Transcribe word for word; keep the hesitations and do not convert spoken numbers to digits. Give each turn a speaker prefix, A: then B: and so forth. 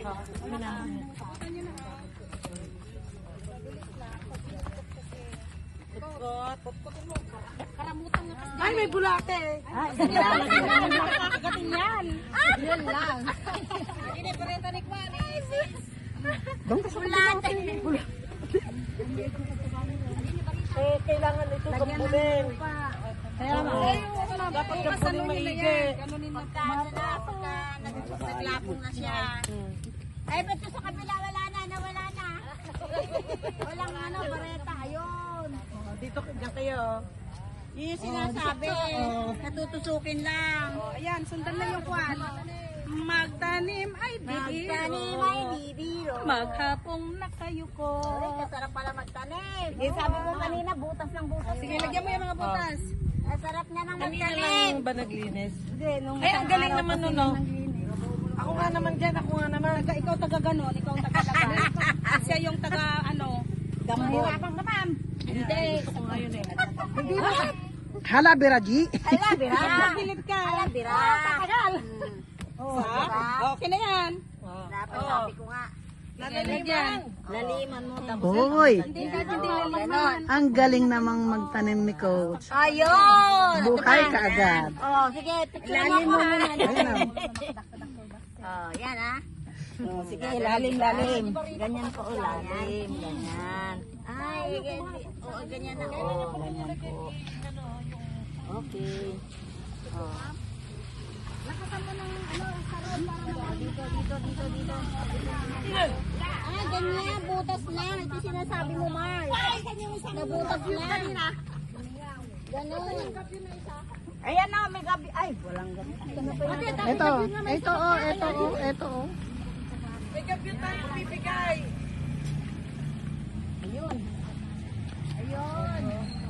A: Ay, may bulate.
B: Ay, nakakagating yan. Yun lang.
A: Hindi, parenta ni Kwan, eh, sis.
B: Bulate.
A: Eh, kailangan ito gambulin.
B: Kaya nga.
A: Dapat gambulin maigi.
B: Pagka, pagka naglapong na siya. Ay, ba't sa kabila wala na, nawala na. Walang ano, bareta, ayun.
A: Dito dyan kayo.
B: Yung sinasabi, natutusukin lang.
A: Ayan, sundan na yung Kwan. Magtanim ay bibiro.
B: Magtanim ay bibiro.
A: Maghapong nakayuko.
B: Ay, kasarap pala magtanim. Yung sabi mo kanina, butas ng butas.
A: Sige, lagyan mo yung mga butas.
B: Ang sarap na ng
A: Kanina
B: magtanim.
A: lang ba naglinis?
B: Hindi, nung
A: Ay, ang galing naman nun, no? Ako nga naman dyan, ako nga naman.
C: Ikaw taga ganon, ikaw taga ganon. Siya yung taga ano,
B: Mahirapang ka, ma'am.
A: Hindi. Ako nga yun eh.
D: Hala, Biraji.
B: Hala, bira.
C: pilit ka.
B: Hala, bira.
C: Tagal.
B: Oh, diba?
C: Okay na yan.
B: Dapat sabi ko nga.
A: Nalaliman.
B: Laliman mo. Tapos
D: Hoy,
C: Hindi ka hindi
B: ganon.
D: ang galing namang magtanim ni Coach.
B: Ayun!
D: Buhay ka agad.
B: Oh, sige, picture mo ako. Oh, yan ah.
C: Oh, sige, lalim, lalim.
B: Ganyan po, oh, lalim. Ganyan. Ay, ganyan. Oo, ganyan na. Oh, ganyan po. Okay. Oh. Lakasan mo ng ano, sarap para dito, dito, dito, dito. Ah, ganyan, butas na. Ito sinasabi mo, Mars. Nabutas na. Ganun. Ayan na, may gabi. Ay, walang gabi.
D: Ito, ito oh, ito oh, ito oh.
A: May kapyo tayo bibigay.